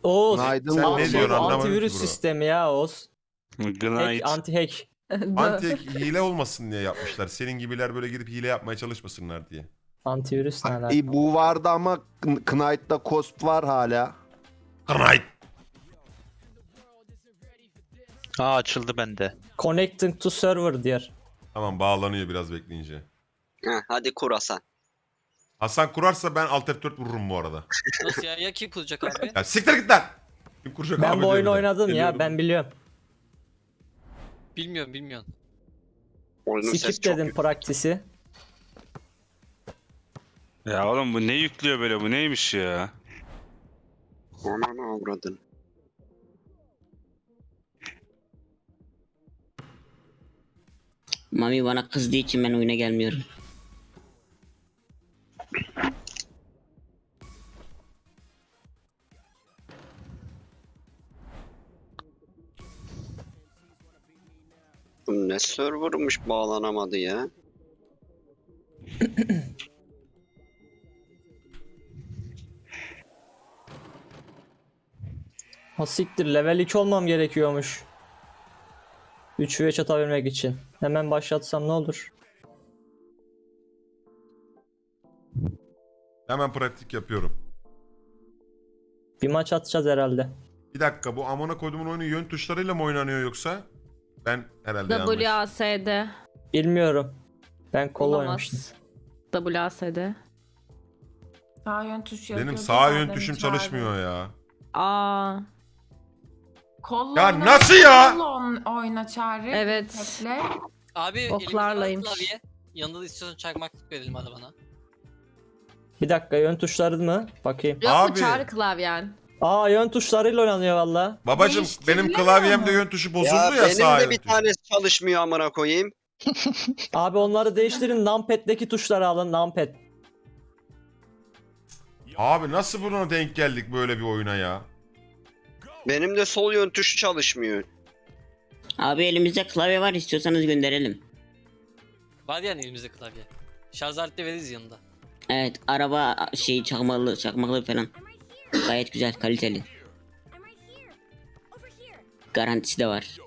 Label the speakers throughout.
Speaker 1: Oğuz.
Speaker 2: Günaydın
Speaker 3: Sen
Speaker 2: oğlum.
Speaker 3: ne diyorsun anlamadım
Speaker 1: Antivirüs
Speaker 3: ki bro.
Speaker 1: sistemi ya Oğuz.
Speaker 4: Günaydın.
Speaker 1: Anti-hack.
Speaker 3: Anti hile olmasın diye yapmışlar. Senin gibiler böyle girip hile yapmaya çalışmasınlar diye.
Speaker 1: Antivirüs ne alaka?
Speaker 2: Bu vardı ama Knight'ta Cosp var hala.
Speaker 3: Knight.
Speaker 4: Aa açıldı bende.
Speaker 1: Connecting to server diyor.
Speaker 3: Tamam bağlanıyor biraz bekleyince.
Speaker 5: Heh, hadi kur Hasan.
Speaker 3: Hasan kurarsa ben Alt F4 vururum bu arada.
Speaker 6: Nasıl ya? Ya kim kuracak abi?
Speaker 3: Ya siktir git lan. Kim kuracak
Speaker 1: Ben
Speaker 3: abi
Speaker 1: bu
Speaker 3: diyor
Speaker 1: oyunu
Speaker 3: bir de.
Speaker 1: oynadım ya,
Speaker 3: Geliyorum.
Speaker 1: ben biliyorum.
Speaker 6: Bilmiyorum.
Speaker 5: Oyunun sesi
Speaker 1: Skip
Speaker 5: çok
Speaker 1: dedim
Speaker 5: yüksek.
Speaker 1: praktisi.
Speaker 4: Ya oğlum bu ne yüklüyor böyle, bu neymiş ya?
Speaker 5: Ananı avradın.
Speaker 7: Mami bana kızdığı için ben oyuna gelmiyorum.
Speaker 5: Bu ne servermış bağlanamadı ya.
Speaker 1: Ha siktir, level 2 olmam gerekiyormuş. 3 ve atabilmek için. Hemen başlatsam ne olur?
Speaker 3: Hemen pratik yapıyorum.
Speaker 1: Bir maç atacağız herhalde.
Speaker 3: Bir dakika, bu amına koyduğumun oyunu yön tuşlarıyla mı oynanıyor yoksa? Ben herhalde yanlış.
Speaker 8: WASD.
Speaker 1: Bilmiyorum. Ben kol oynamıştım.
Speaker 8: Olamaz. WASD.
Speaker 9: Sağ yön tuş yazıyor.
Speaker 3: Benim sağ yön
Speaker 9: zaten
Speaker 3: tuşum
Speaker 9: içeride.
Speaker 3: çalışmıyor ya.
Speaker 8: Aa.
Speaker 9: Kolla
Speaker 3: Ya
Speaker 9: oyna,
Speaker 3: nasıl ya?
Speaker 9: kolla oyna çağrı.
Speaker 8: Evet.
Speaker 9: Tekle.
Speaker 6: Abi
Speaker 8: Oklarlaymış.
Speaker 6: elimizde var klavye. Yanında da istiyorsan çakmaklık verelim hadi bana.
Speaker 1: Bir dakika, yön tuşları mı? Bakayım.
Speaker 8: Yok
Speaker 3: Abi.
Speaker 8: mu çağrı klavyen?
Speaker 1: Aa, yön tuşlarıyla oynanıyor valla.
Speaker 3: Babacım benim
Speaker 9: Değiştirilemiyor
Speaker 3: klavyemde
Speaker 9: mu?
Speaker 3: yön tuşu bozuldu
Speaker 5: Ya
Speaker 3: ya,
Speaker 5: benim
Speaker 3: sağ
Speaker 5: de
Speaker 3: yön
Speaker 5: bir
Speaker 3: tuşu.
Speaker 5: tanesi çalışmıyor amına koyayım.
Speaker 1: Abi onları değiştirin. Numpad'deki tuşları alın. Numpad.
Speaker 3: Abi nasıl buna denk geldik böyle bir oyuna ya?
Speaker 5: Benim de sol yön tuşu çalışmıyor.
Speaker 7: Abi elimizde klavye var, istiyorsanız gönderelim.
Speaker 6: Var yani elimizde klavye. Şarj aleti de veririz yanında.
Speaker 7: Evet, araba şey çakmaklı falan. Gayet güzel, kaliteli. Garantisi de var.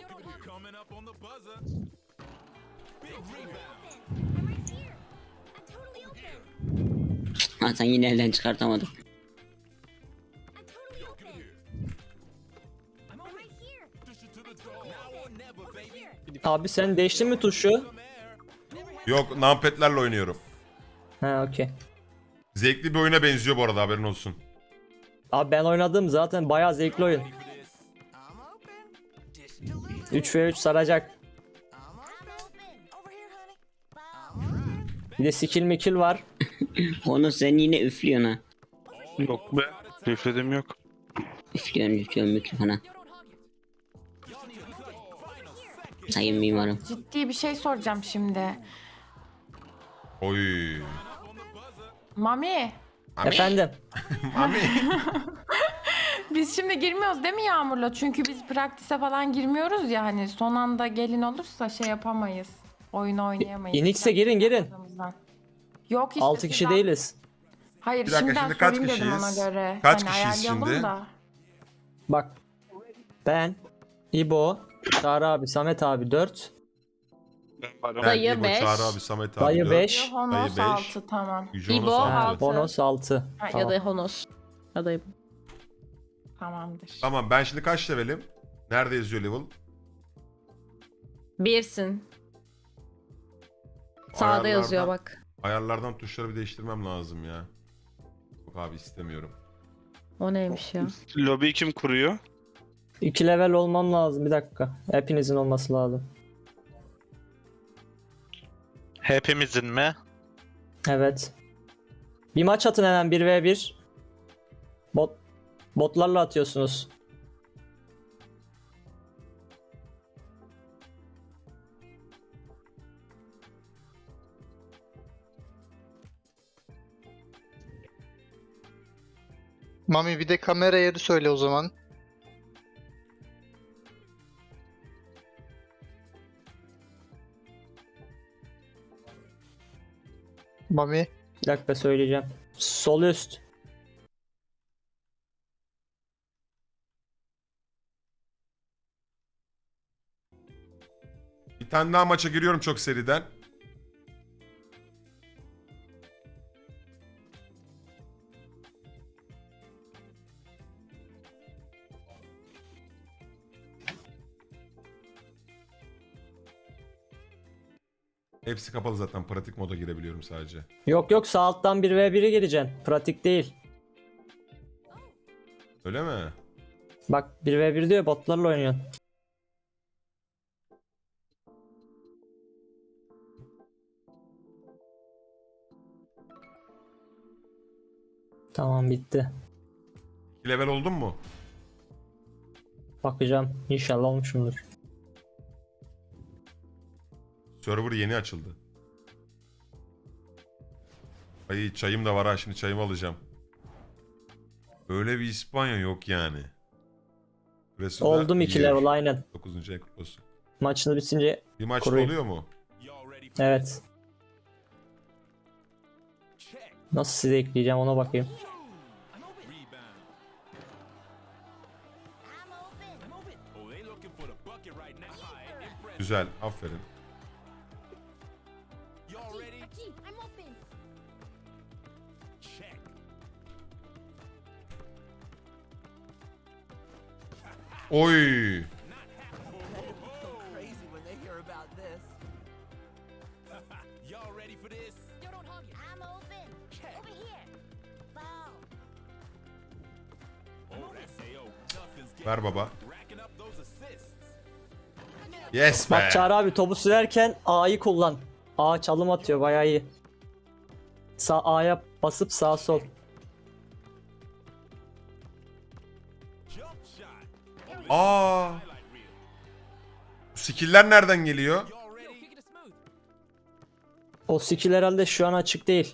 Speaker 7: Hasan yine elden çıkartamadım.
Speaker 1: Abi sen değiştin mi tuşu?
Speaker 3: Yok, numpad'lerle oynuyorum.
Speaker 1: Ha, okey.
Speaker 3: Zevkli bir oyuna benziyor bu arada, haberin olsun.
Speaker 1: Abi ben oynadım zaten, bayağı zevkli oyun. 3 ve 3 saracak. Bir de skill mikil var.
Speaker 7: Onu sen yine üflüyorsun ha.
Speaker 4: Yok be. Üfledim yok.
Speaker 7: Üflüyorsun mikrofona. Sayın mimarım.
Speaker 9: Ciddi bir şey soracağım şimdi.
Speaker 3: Oy.
Speaker 9: Mami.
Speaker 1: Efendim.
Speaker 3: Mami.
Speaker 9: Biz şimdi girmiyoruz değil mi Yağmur'la? Çünkü biz praktise falan girmiyoruz ya, hani son anda gelin olursa şey yapamayız. Oyun oynayamayız.
Speaker 1: Inix'e girin.
Speaker 9: Yok işte
Speaker 1: 6 kişi
Speaker 9: sizden-
Speaker 1: değiliz.
Speaker 9: Hayır
Speaker 3: Bir dakika,
Speaker 9: şimdiden
Speaker 3: şimdi kaç
Speaker 9: sorayım dedim ona
Speaker 3: kişiyiz?
Speaker 9: göre.
Speaker 3: Kaç
Speaker 9: Hani
Speaker 3: kişiyiz
Speaker 9: ayarlayalım
Speaker 3: şimdi?
Speaker 9: Da.
Speaker 1: Bak. Ben, İbo, Çağrı abi, Samet abi 4.
Speaker 3: Ben,
Speaker 8: Dayı
Speaker 3: İbo,
Speaker 8: 5.
Speaker 3: Çağrı abi, Samet abi
Speaker 1: Dayı
Speaker 3: 4.
Speaker 1: 5.
Speaker 9: Honos
Speaker 3: Dayı
Speaker 9: 6
Speaker 3: 5.
Speaker 9: tamam.
Speaker 8: İbo,
Speaker 1: Ha,
Speaker 8: altı.
Speaker 1: Bonos 6.
Speaker 9: Ha,
Speaker 8: Ya
Speaker 1: Tamam.
Speaker 8: da Honos. Ya da
Speaker 9: Tamamdır.
Speaker 3: Tamam, ben şimdi kaç levelim? Nerede yazıyor level?
Speaker 8: birsin. Sağda yazıyor bak.
Speaker 3: Ayarlardan tuşları bir değiştirmem lazım ya. Yok abi, istemiyorum.
Speaker 8: O neymiş ya?
Speaker 4: Lobi kim kuruyor?
Speaker 1: 2 level olmam lazım, bir dakika. Hepinizin olması lazım.
Speaker 4: Hepimizin mi?
Speaker 1: Evet. Bir maç atın hemen, 1v1. Botlarla atıyorsunuz.
Speaker 10: Mami bir de kamera yeri söyle o zaman. Mami.
Speaker 1: Bir dakika söyleyeceğim. Sol üst.
Speaker 3: Bir tane daha maça giriyorum çok seriden. Hepsi kapalı zaten. Pratik moda girebiliyorum sadece.
Speaker 1: Yok yok, sağ alttan 1v1'e gireceksin. Pratik değil.
Speaker 3: Öyle mi?
Speaker 1: Bak 1v1 diyor, botlarla oynuyorsun. Tamam, bitti.
Speaker 3: 2 level oldun mu?
Speaker 1: Bakacağım. İnşallah olmuşumdur.
Speaker 3: Server yeni açıldı. Ay çayım da var ha, şimdi çayımı alacağım. Böyle bir İspanya yok yani. Burası da
Speaker 1: Oldum 2
Speaker 3: iyi.
Speaker 1: level aynen.
Speaker 3: 9. ay kutlu olsun.
Speaker 1: Maçını bitince
Speaker 3: Bir maçta
Speaker 1: kurayım.
Speaker 3: oluyor mu?
Speaker 1: evet. Nasıl size ekleyeceğim ona bakayım.
Speaker 3: Güzel, aferin. Oy! Ver baba. Yes be.
Speaker 1: Bak Çağrı abi, topu sürerken A'yı kullan. A çalım atıyor, bayağı iyi. Sağ A'ya basıp sağ sol.
Speaker 3: Aa! Bu skill'ler nereden geliyor?
Speaker 1: O skill herhalde şu an açık değil.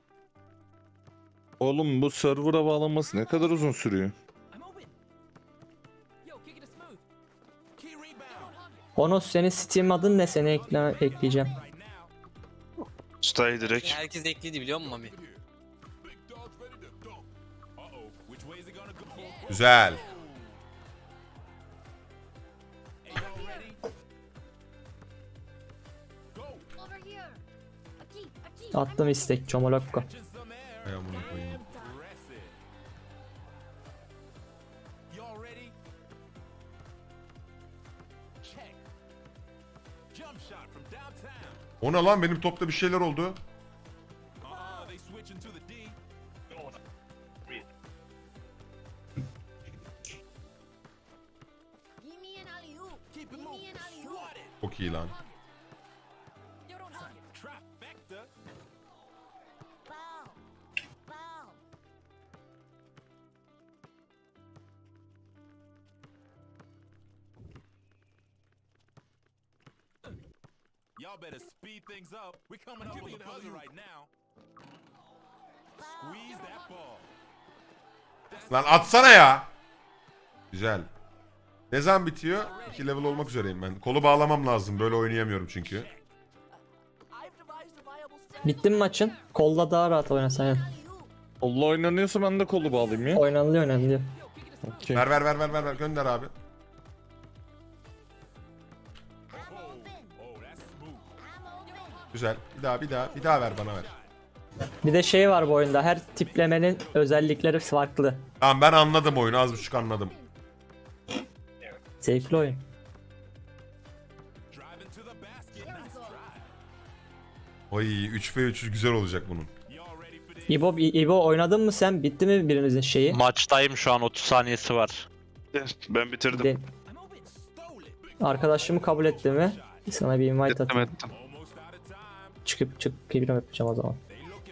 Speaker 11: Oğlum bu server'a bağlanması ne kadar uzun sürüyor?
Speaker 1: Onu senin Steam adın ne, seni ekleyeceğim.
Speaker 4: Ustayı direkt.
Speaker 6: Herkes ekledi biliyor musun Mami?
Speaker 3: Güzel.
Speaker 1: Attım istek Çomolokko.
Speaker 3: Ay amına koyayım. O ne lan, benim topta bir şeyler oldu. Çok iyi lan.
Speaker 12: Y'all better speed things up. We're coming up on the buzzer right now. Squeeze that ball.
Speaker 3: Lan atsana ya. Güzel. Ne zaman bitiyor? 2 level olmak üzereyim ben. Kolu bağlamam lazım. Böyle oynayamıyorum çünkü.
Speaker 1: Bitti mi maçın? Kolla daha rahat oynasan yani.
Speaker 11: Allah oynanıyorsa ben de kolu bağlayayım ya.
Speaker 1: Oynanılıyor.
Speaker 11: Okey.
Speaker 3: Ver. Gönder abi. Güzel. Bir daha ver bana ver.
Speaker 1: Bir de şey var bu oyunda, her tiplemenin özellikleri farklı.
Speaker 3: Tamam, ben anladım oyunu. Az buçuk anladım.
Speaker 1: Zevkli oyun.
Speaker 3: Oy 3v3 güzel olacak bunun.
Speaker 1: İbo oynadın mı sen? Bitti mi birinizin şeyi?
Speaker 4: Maçtayım şu an, 30 saniyesi var. Ben bitirdim.
Speaker 1: De- Arkadaşımı kabul etti mi? Sana bir invite atayım.
Speaker 4: Ettim.
Speaker 1: Çıkıp prim yapacağım o zaman.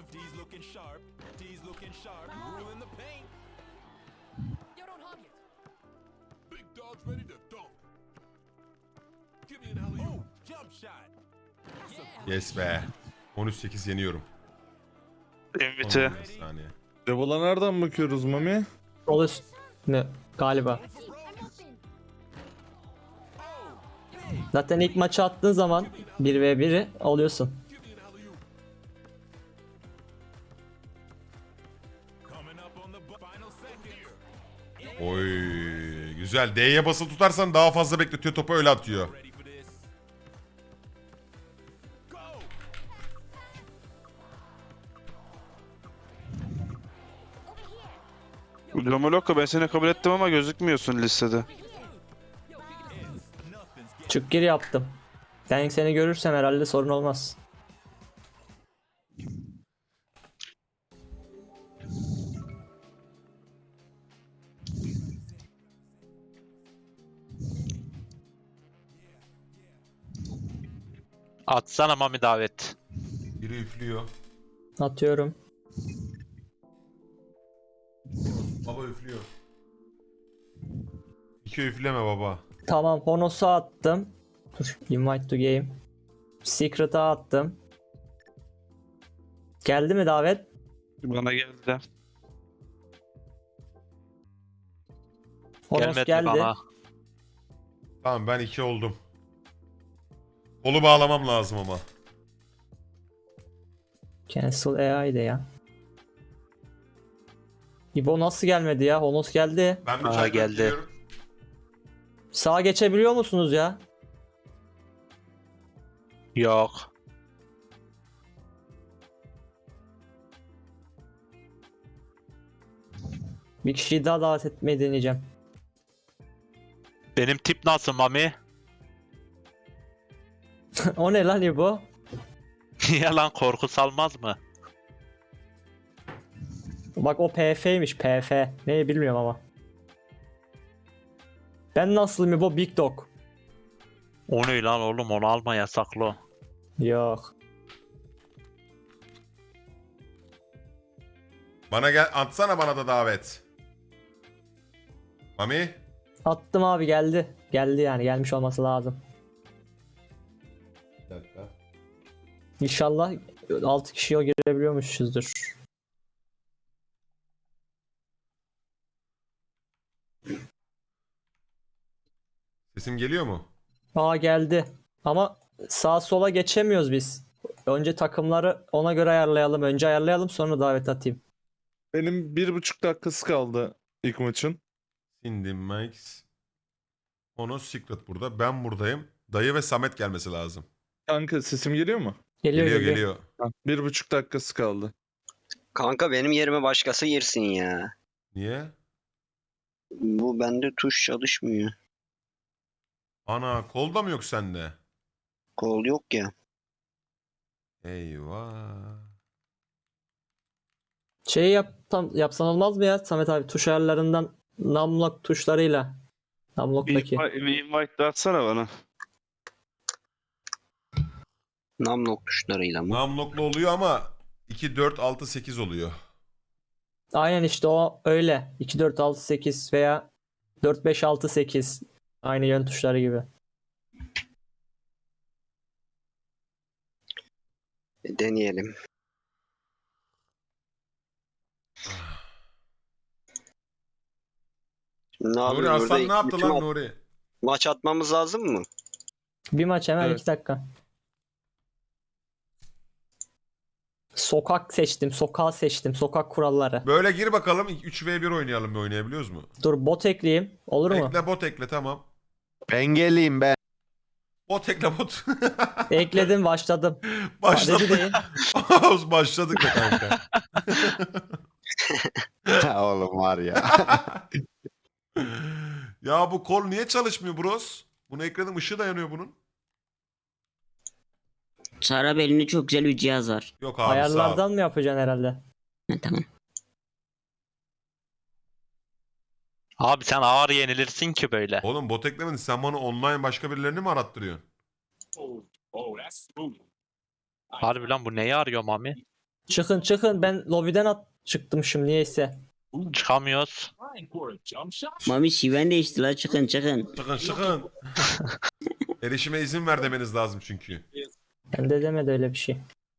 Speaker 3: Yes be. 13-8 yeniyorum.
Speaker 4: Invite.
Speaker 3: 15 saniye.
Speaker 11: Level'a nereden bakıyoruz Mami?
Speaker 1: Sol üst mü? Galiba. Zaten ilk maçı attığın zaman 1v1'i oluyorsun.
Speaker 3: Oy güzel. D'ye basılı tutarsan daha fazla bekletiyor topu, öyle atıyor.
Speaker 4: Lomoloko ben seni kabul ettim ama gözükmüyorsun listede.
Speaker 1: Çık gir yaptım. Ben seni görürsem herhalde sorun olmaz.
Speaker 4: Atsana Mami davet.
Speaker 3: Biri üflüyor.
Speaker 1: Atıyorum.
Speaker 3: Baba üflüyor. İki üfleme baba.
Speaker 1: Tamam, Honos'u attım. Dur, invite to game. Secret'a attım. Geldi mi davet?
Speaker 4: Bana geldi.
Speaker 1: Honos
Speaker 4: Gelmedi
Speaker 1: geldi.
Speaker 4: bana.
Speaker 3: Tamam ben 2 oldum. Kolu bağlamam lazım ama.
Speaker 1: Cancel AI de ya. İbo nasıl gelmedi ya? Honos geldi.
Speaker 3: Ben bir
Speaker 4: Aa,
Speaker 3: çay
Speaker 4: geldi.
Speaker 3: bekliyorum.
Speaker 1: Sağa geçebiliyor musunuz ya?
Speaker 4: Yok.
Speaker 1: Bir kişiyi daha davet etmeyi deneyeceğim.
Speaker 4: Benim tip nasıl Mami?
Speaker 1: O ne lan İbo?
Speaker 4: Yalan korku salmaz mı?
Speaker 1: Bak o PF'ymiş, PF. Neyi bilmiyorum ama. Ben nasılım İbo? Big Dog.
Speaker 4: O ne lan oğlum, onu alma, yasaklı o.
Speaker 1: Yok.
Speaker 3: Bana gel atsana bana da davet. Mami.
Speaker 1: Attım abi, geldi. Geldi yani, gelmiş olması lazım.
Speaker 3: Bir dakika.
Speaker 1: İnşallah 6 kişiye girebiliyormuşuzdur.
Speaker 3: Sesim geliyor mu?
Speaker 1: Aa geldi. Ama sağa sola geçemiyoruz biz. Önce takımları ona göre ayarlayalım. Önce ayarlayalım, sonra davet atayım.
Speaker 11: Benim 1,5 dakikası kaldı ilk maçın.
Speaker 3: Cindy, Max. Ono Secret burada. Ben buradayım. Dayı ve Samet gelmesi lazım.
Speaker 11: Kanka sesim geliyor mu?
Speaker 1: Geliyor
Speaker 3: Geliyor
Speaker 1: geliyor.
Speaker 3: geliyor.
Speaker 11: 1,5 dakikası kaldı.
Speaker 5: Kanka benim yerime başkası girsin ya.
Speaker 3: Niye?
Speaker 5: Bu bende tuş çalışmıyor.
Speaker 3: Ana kolda mı yok sende?
Speaker 5: Kol yok ya.
Speaker 3: Eyvah.
Speaker 1: Şey yapsan olmaz mı ya Samet abi? Tuş ayarlarından numlock tuşlarıyla. Numlock'taki.
Speaker 4: Bir invite de atsana bana.
Speaker 5: Numlock tuşlarıyla mı?
Speaker 3: Namloklu oluyor ama 2, 4, 6, 8 oluyor.
Speaker 1: Aynen işte o öyle. 2, 4, 6, 8 veya 4, 5, 6, 8. Aynı yön tuşları gibi.
Speaker 5: Deneyelim. Şimdi ne
Speaker 3: Nuri
Speaker 5: yapıyoruz
Speaker 3: Aslan
Speaker 5: burada?
Speaker 3: ne yaptı
Speaker 5: Bütün
Speaker 3: lan Nuri?
Speaker 5: maç atmamız lazım mı?
Speaker 1: Bir maç hemen
Speaker 11: Evet.
Speaker 1: 2 dakika. Sokak seçtim. Sokağı seçtim. Sokak kuralları.
Speaker 3: Böyle gir bakalım 3v1 oynayalım, oynayabiliyoruz mu?
Speaker 1: Dur bot ekleyeyim. Olur mu?
Speaker 3: Ekle bot ekle tamam.
Speaker 2: Ben geleyim ben.
Speaker 3: Bot ekle bot.
Speaker 1: Ekledim, başladım. Dedi
Speaker 3: Başladık.
Speaker 1: değil.
Speaker 3: Başladık da kanka.
Speaker 2: Oğlum var ya.
Speaker 3: Ya bu kol niye çalışmıyor bros? Bunun ekranın ışığı da yanıyor bunun.
Speaker 7: Sarap elinde çok güzel bir cihaz var.
Speaker 3: Yok abi sağ ol.
Speaker 1: Ayarlardan mı yapacaksın herhalde?
Speaker 7: Ha, tamam.
Speaker 4: Abi sen ağır yenilirsin ki böyle.
Speaker 3: Oğlum bot eklemedin, sen bana online başka birilerini mi arattırıyorsun?
Speaker 4: Harbi lan, bu neyi arıyor Mami?
Speaker 1: Çıkın çıkın, ben lobiden çıktım şimdi niyeyse.
Speaker 4: Çıkamıyoruz.
Speaker 7: Mami şiven değişti la, çıkın çıkın.
Speaker 3: Çıkın çıkın. Erişime izin ver demeniz lazım çünkü.
Speaker 1: Ben de demedi öyle bir şey.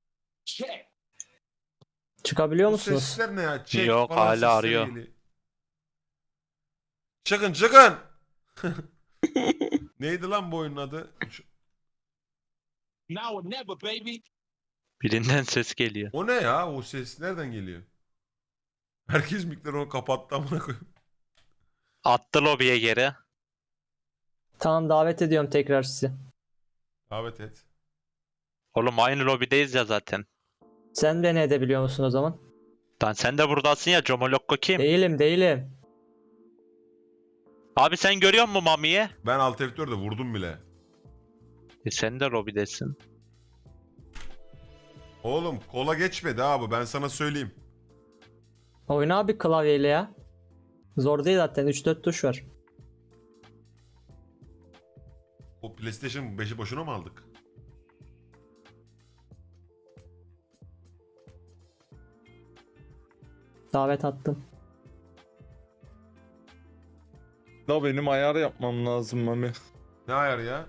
Speaker 1: Çıkabiliyor
Speaker 3: Bu
Speaker 1: musunuz?
Speaker 3: sesler ne ya? Çek
Speaker 4: Yok,
Speaker 3: falan
Speaker 4: hala
Speaker 3: sesleri
Speaker 4: arıyor.
Speaker 3: geliyor. Çıkın çıkın. Neydi lan bu oyunun adı?
Speaker 12: Now or never, baby.
Speaker 4: Birinden ses geliyor.
Speaker 3: O ne ya? O ses nereden geliyor? Herkes mikrofonu kapattı amına koyayım.
Speaker 4: Attı lobiye geri.
Speaker 1: Tamam, davet ediyorum tekrar sizi.
Speaker 3: Davet et.
Speaker 4: Oğlum aynı lobideyiz ya zaten.
Speaker 1: Sen beni edebiliyor musun o zaman?
Speaker 4: Lan sen de buradasın ya, Comolokko kim?
Speaker 1: Değilim değilim.
Speaker 4: Abi sen görüyor musun Mami'yi?
Speaker 3: Ben Alt F4'de vurdum bile.
Speaker 4: Sen de Robi'desin.
Speaker 3: Oğlum kola geçmedi abi, ben sana söyleyeyim.
Speaker 1: Oyna abi klavyeyle ya. Zor değil zaten 3-4 tuş var.
Speaker 3: O PlayStation 5'i boşuna mı aldık?
Speaker 1: Davet attım.
Speaker 11: Da benim ayar yapmam lazım Mami.
Speaker 3: Ne ayar ya?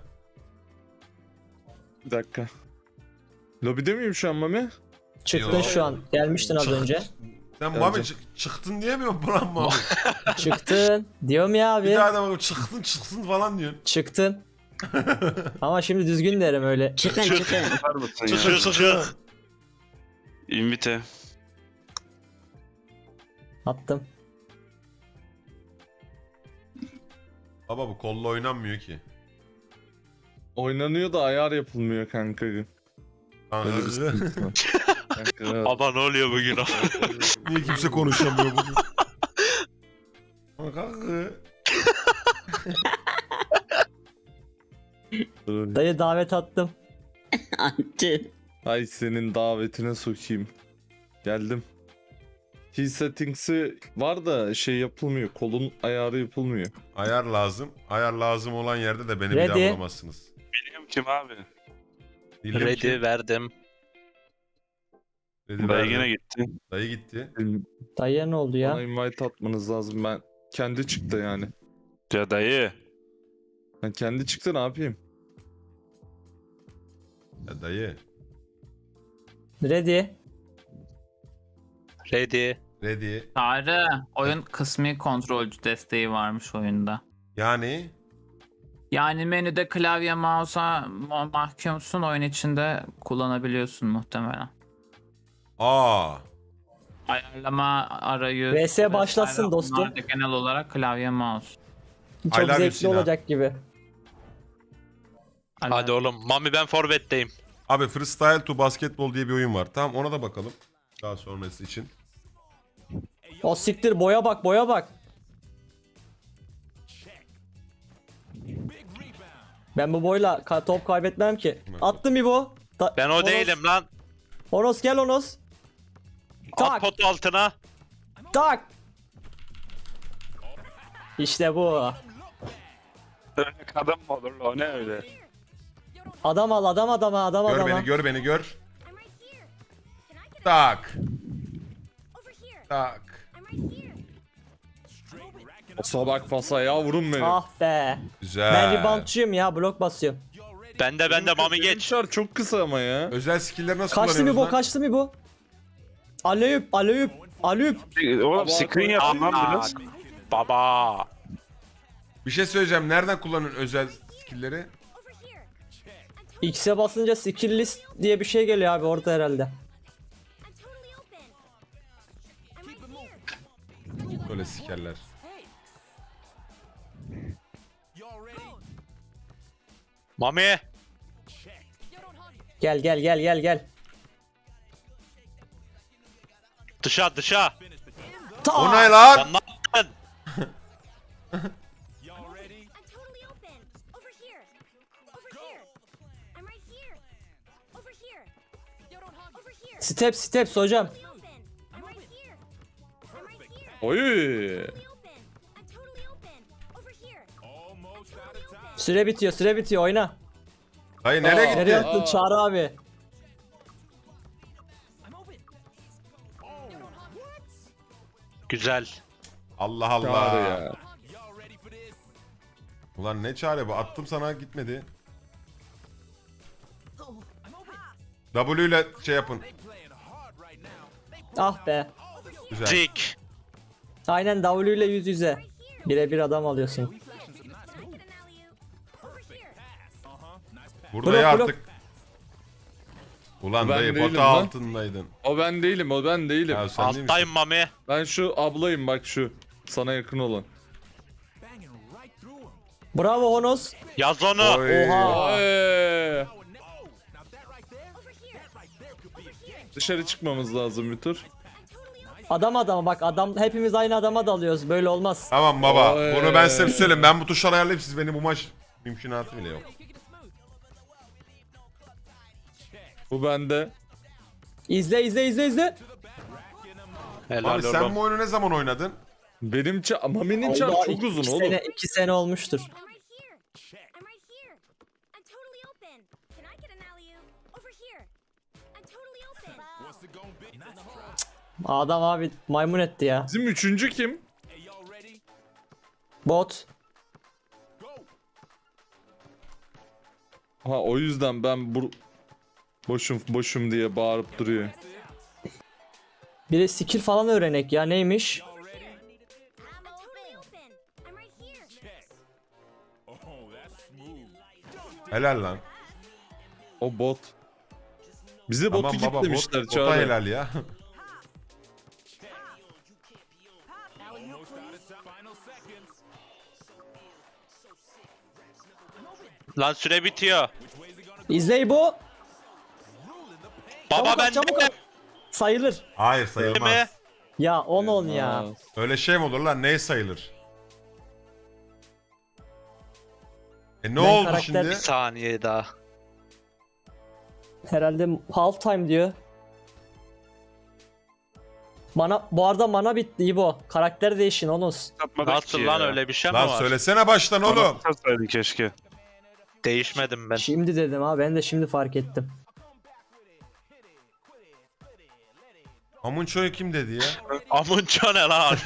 Speaker 11: Bir dakika. Lobide miyim şu an Mami?
Speaker 1: Çıktın
Speaker 3: Yo.
Speaker 1: şu an. Gelmiştin az önce.
Speaker 3: Sen
Speaker 11: Geleceğim.
Speaker 3: Mami çıktın diyemiyor musun lan Mami?
Speaker 1: Çıktın. Diyorum ya
Speaker 3: Bir
Speaker 1: abi.
Speaker 3: daha da bak çıksın falan diyorsun.
Speaker 1: Çıktın. Ama şimdi düzgün derim öyle.
Speaker 7: Çıkın çıkın.
Speaker 4: Çık.
Speaker 5: Invite.
Speaker 1: Attım.
Speaker 3: Baba bu kolla oynanmıyor ki.
Speaker 11: Oynanıyor da ayar yapılmıyor kanka. Öyle bir sıkıntı var. Kanka, evet.
Speaker 4: Ama ne oluyor bugün?
Speaker 3: Niye kimse konuşamıyor bugün? Kanka.
Speaker 11: Dur.
Speaker 1: Dayı davet attım.
Speaker 7: Attı.
Speaker 11: Ay senin davetine sokayım. Geldim. Key settings'i var da şey yapılmıyor. Kolun ayarı yapılmıyor.
Speaker 3: Ayar lazım. Ayar lazım olan yerde de beni bir daha
Speaker 1: Ready.
Speaker 3: bulamazsınız.
Speaker 5: Biliyorum kim abi?
Speaker 3: Bilmiyorum
Speaker 4: Ready
Speaker 3: ki.
Speaker 4: verdim.
Speaker 3: Ready
Speaker 5: Dayı
Speaker 3: verdim.
Speaker 5: yine gitti.
Speaker 3: Dayı gitti.
Speaker 1: Dayıya ne oldu
Speaker 11: Bana
Speaker 1: ya?
Speaker 11: invite atmanız lazım. Ben kendi çıktı yani.
Speaker 5: Ya dayı.
Speaker 11: Ben kendi çıktı ne yapayım?
Speaker 3: Ya dayı.
Speaker 1: Ready.
Speaker 4: Ready.
Speaker 3: Ready.
Speaker 13: Çağrı, oyun kısmi kontrolcü desteği varmış oyunda.
Speaker 3: Yani
Speaker 13: Yani menüde klavye mouse'a mahkumsun, oyun içinde kullanabiliyorsun muhtemelen.
Speaker 3: aa.
Speaker 13: Ayarlama arayüz.
Speaker 1: VS
Speaker 13: vesaire,
Speaker 1: başlasın dostum.
Speaker 13: onlar da genel olarak klavye mouse.
Speaker 1: Çok
Speaker 3: I love you
Speaker 1: zevkli
Speaker 3: Sinan.
Speaker 1: olacak gibi.
Speaker 4: Hadi oğlum. Mami ben forvetteyim.
Speaker 3: Abi Freestyle to Basketball diye bir oyun var. Tamam ona da bakalım. Daha sonrası için.
Speaker 1: O siktir boya bak boya bak. Ben bu boyla top kaybetmem ki. Attım İbo.
Speaker 4: Ben o değilim lan.
Speaker 1: Onos gel Onos.
Speaker 4: At
Speaker 1: Tak
Speaker 4: pot altına.
Speaker 1: tak. İşte bu.
Speaker 5: Öyle kadın mı olur o ne öyle?
Speaker 1: Adam al adam adama adam
Speaker 3: Gör
Speaker 1: adama.
Speaker 3: beni gör beni gör. Tak. Tak.
Speaker 11: Pasa bak pasa yavrum benim.
Speaker 1: Ah be.
Speaker 3: Güzel.
Speaker 1: Ben reboundçıyım ya blok basıyorum.
Speaker 4: Ben de Mami
Speaker 11: Benim
Speaker 4: geç.
Speaker 11: şar çok kısa ama ya.
Speaker 3: Özel skill'leri nasıl
Speaker 1: Kaçtı mı
Speaker 3: kullanıyoruz
Speaker 1: bu
Speaker 3: lan?
Speaker 1: kaçtı mı bu? Aleyüp aleyüp aleyüp.
Speaker 5: Oğlum screen yapın lan biraz.
Speaker 4: Baba.
Speaker 3: Bir şey söyleyeceğim. Nereden kullanıyorsun özel skill'leri?
Speaker 1: X'e basınca skill list diye bir şey geliyor abi orada herhalde.
Speaker 3: Böyle sikerler.
Speaker 4: Mami.
Speaker 1: Gel gel gel gel gel.
Speaker 4: Dışa.
Speaker 3: O ne lan?
Speaker 4: Lan ne yaptın?
Speaker 1: Steps hocam.
Speaker 11: Oy.
Speaker 1: Süre bitiyor oyna.
Speaker 3: Dayı nereye gitti?
Speaker 1: Nereye attın Çağrı abi?
Speaker 4: Güzel.
Speaker 3: Allah
Speaker 11: Çağrı
Speaker 3: Allah.
Speaker 11: ya.
Speaker 3: Ulan ne çare bu? Attım sana gitmedi. W ile şey yapın.
Speaker 1: Ah be.
Speaker 3: Güzel.
Speaker 4: Zik.
Speaker 1: Aynen W ile yüz yüze. Birebir adam alıyorsun.
Speaker 3: Burada
Speaker 1: Blok,
Speaker 3: ya
Speaker 1: blok.
Speaker 3: artık. Ulan
Speaker 11: Ben
Speaker 3: dayı
Speaker 11: değilim
Speaker 3: pota
Speaker 11: lan.
Speaker 3: altındaydın.
Speaker 11: O ben değilim.
Speaker 3: Ya sen değil
Speaker 4: Alttayım
Speaker 3: misin?
Speaker 4: Mami.
Speaker 11: Ben şu ablayım bak şu. Sana yakın olan.
Speaker 1: Bravo Honos.
Speaker 4: Yaz onu.
Speaker 3: Oy.
Speaker 1: Oha.
Speaker 11: Oy. Dışarı çıkmamız lazım bir tur.
Speaker 1: Adam adama bak, adam hepimiz aynı adama dalıyoruz. Böyle olmaz.
Speaker 3: Tamam baba.
Speaker 11: Oy.
Speaker 3: Bunu ben size söyleyeyim. Ben bu tuşları ayarlayayım. Siz beni bu maç mümkünatı bile yok.
Speaker 11: Bu bende.
Speaker 1: İzle.
Speaker 4: Helal
Speaker 3: Abi sen
Speaker 4: oğlum.
Speaker 3: bu oyunu ne zaman oynadın?
Speaker 11: Benim Mami'nin çar
Speaker 1: Oldu,
Speaker 11: çok uzun
Speaker 1: iki
Speaker 11: oğlum.
Speaker 1: sene, 2 sene olmuştur.
Speaker 12: What's it gonna be?
Speaker 1: Adam abi maymun etti ya.
Speaker 11: Bizim üçüncü kim?
Speaker 12: Hey, y'all ready?
Speaker 1: Bot.
Speaker 12: Go!
Speaker 11: Ha o yüzden ben boşum diye bağırıp duruyor.
Speaker 1: Biri skill falan öğrenek ya, neymiş?
Speaker 12: Y'all ready? Oh, that's smooth.
Speaker 3: Helal lan.
Speaker 11: O bot. Bize
Speaker 3: Tamam
Speaker 11: botu
Speaker 3: baba,
Speaker 11: kitlemişler
Speaker 3: bota
Speaker 11: Çağrı.
Speaker 3: helal ya.
Speaker 12: Almost out of time. Final seconds.
Speaker 4: Lan süre bitiyor.
Speaker 1: İzley bu.
Speaker 4: Baba ben
Speaker 1: Çabuk at. Sayılır.
Speaker 3: Hayır
Speaker 4: mi?
Speaker 3: sayılmaz.
Speaker 1: Ya 10 ya.
Speaker 11: Aa,
Speaker 3: Öyle şey mi olur lan? Ne sayılır? Ne
Speaker 1: Ben
Speaker 3: oldu
Speaker 1: karakter-
Speaker 3: şimdi?
Speaker 4: Bir saniye daha.
Speaker 1: Herhalde half time diyor. Bu arada mana bitti İbo. Karakter değişin onuz.
Speaker 4: Nasıl lan, öyle bir şey mi
Speaker 3: Lan
Speaker 4: var?
Speaker 3: söylesene baştan oğlum.
Speaker 4: Keşke. Değişmedim ben.
Speaker 1: Şimdi dedim ha, ben de şimdi fark ettim.
Speaker 3: Amunço'yu kim dedi ya?
Speaker 4: Amunço ne lan?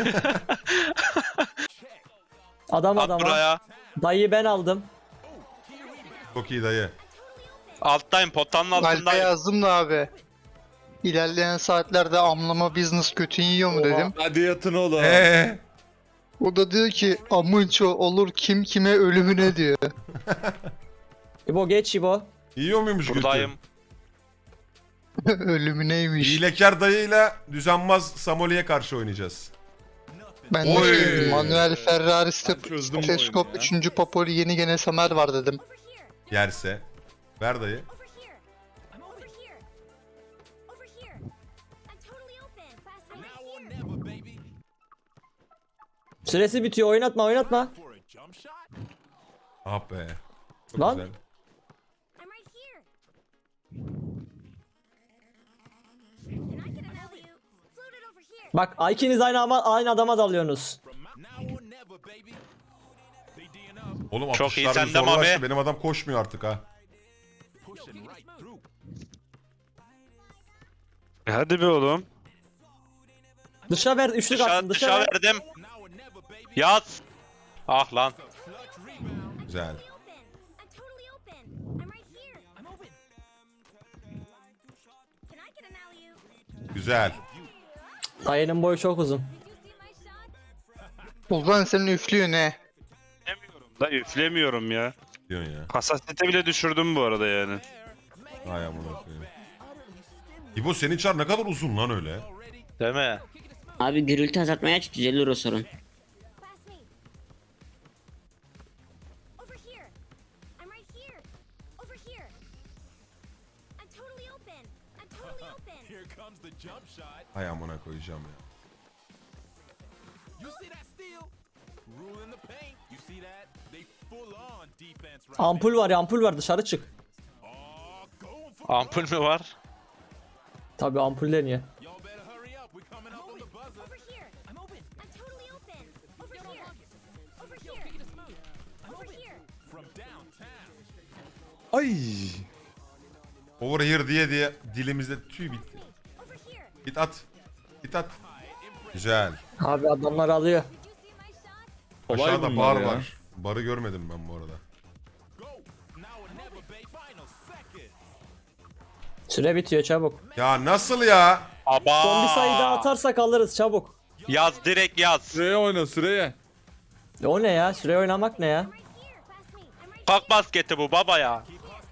Speaker 1: Adam
Speaker 4: At
Speaker 1: adama.
Speaker 4: buraya.
Speaker 1: Dayıyı ben aldım.
Speaker 3: Çok iyi dayı.
Speaker 4: Alttayım, potanın
Speaker 10: Alp'e
Speaker 4: altındayım.
Speaker 10: yazdım da abi. İlerleyen saatlerde amlama business götün yiyor mu dedim.
Speaker 11: hadi yatın oğlum.
Speaker 10: O da diyor ki amınço olur kim kime ölümüne diyor.
Speaker 1: İbo geç İbo.
Speaker 3: Yiyor muymuş götü?
Speaker 4: Buradayım.
Speaker 10: Ölümüneymiş.
Speaker 3: Hilekar dayıyla düzenbaz Samoli'ye karşı oynayacağız.
Speaker 10: Ben de
Speaker 3: Oy.
Speaker 10: şey dedim, Manuel Ferrari
Speaker 11: çözdüm bu
Speaker 10: Stethoscope
Speaker 11: oyunu ya.
Speaker 10: 3. Popoli yeni gene Samer var dedim.
Speaker 3: Yerse. Ver dayı.
Speaker 12: Now or never, baby.
Speaker 1: Süresi bitiyor, oynatma.
Speaker 12: For a jump shot?
Speaker 3: Ah be. Çok
Speaker 1: Lan.
Speaker 3: güzel.
Speaker 1: Bak ikiniz aynı adama dalıyorsunuz.
Speaker 12: Now or never, baby. They D'ing up,
Speaker 3: Oğlum
Speaker 4: Çok iyi,
Speaker 3: atışlar
Speaker 4: sen de
Speaker 3: zorlaştı.
Speaker 4: Mami.
Speaker 3: Benim adam koşmuyor artık ha.
Speaker 12: pushing right through.
Speaker 4: Hadi be oğlum.
Speaker 1: Dışa ver, üçlük atsın, dışa
Speaker 4: Dışa
Speaker 1: ver.
Speaker 4: verdim.
Speaker 12: Now or never, baby.
Speaker 4: Yaz. Ah lan.
Speaker 12: Clutch rebound.
Speaker 3: Güzel. Güzel.
Speaker 1: Dayının boyu çok uzun.
Speaker 10: Ulan senin üflüyor ne?
Speaker 4: Da üflemiyorum ya.
Speaker 3: Diyorsun ya.
Speaker 4: Hassasiyete bile düşürdüm bu arada yani.
Speaker 3: Ay amına koyayım. İbo senin çar ne kadar uzun lan öyle.
Speaker 4: Değil mi?
Speaker 7: Abi gürültü azaltmaya aç, düzelir o sorun.
Speaker 12: Here comes the jump shot.
Speaker 3: Ay amına koyacağım ya.
Speaker 12: You see that steal? Rule in the paint. You see that? They full on defense right
Speaker 1: Ampul var ya, ampul var, dışarı çık.
Speaker 12: now. Going for
Speaker 4: Ampul mü var?
Speaker 1: Tabii ampul deniyor.
Speaker 12: y'all better hurry up. We're coming up on the buzzer. From downtown.
Speaker 11: Ay.
Speaker 3: Over here diye dilimizde tüy bitti. Git at. Git at. Güzel.
Speaker 1: Abi adamlar alıyor.
Speaker 11: Kolay
Speaker 3: Aşağıda
Speaker 11: bunlar
Speaker 3: bar
Speaker 11: ya.
Speaker 3: var. Barı görmedim ben bu arada.
Speaker 12: Go. Now or never, baby. Final second.
Speaker 1: Süre bitiyor, çabuk.
Speaker 3: Ya nasıl ya?
Speaker 4: Aba.
Speaker 1: Son bir sayı daha atarsak alırız, çabuk.
Speaker 4: Yaz, direkt yaz.
Speaker 11: Süreye oyna süreye.
Speaker 1: O ne ya? Süre oynamak ne ya?
Speaker 4: Kalk basketi bu baba ya.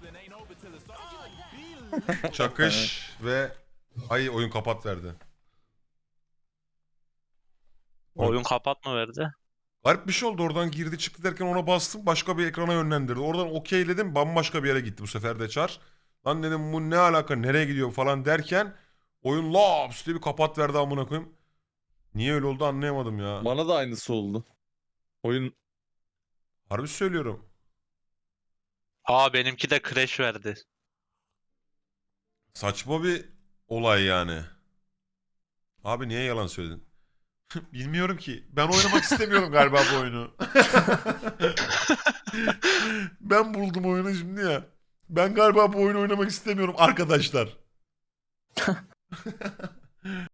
Speaker 3: Çakış ve ay oyun kapat verdi.
Speaker 4: Oyun kapat mı verdi?
Speaker 3: Garip bir şey oldu, oradan girdi çıktı derken ona bastım, başka bir ekrana yönlendirdi. Oradan okeyledim, bambaşka bir yere gitti bu sefer de çar. Lan dedim bu ne alaka, nereye gidiyor falan derken oyun laps diye bir kapat verdi amına koyayım. Niye öyle oldu anlayamadım ya.
Speaker 11: Bana da aynısı oldu. Oyun
Speaker 3: Harbi söylüyorum.
Speaker 4: Aa benimki de crash verdi.
Speaker 3: Saçma bir olay yani. Abi niye yalan söyledin? Bilmiyorum ki. Ben oynamak istemiyorum galiba bu oyunu. Ben buldum oyunu şimdi ya. Ben galiba bu oyunu oynamak istemiyorum arkadaşlar.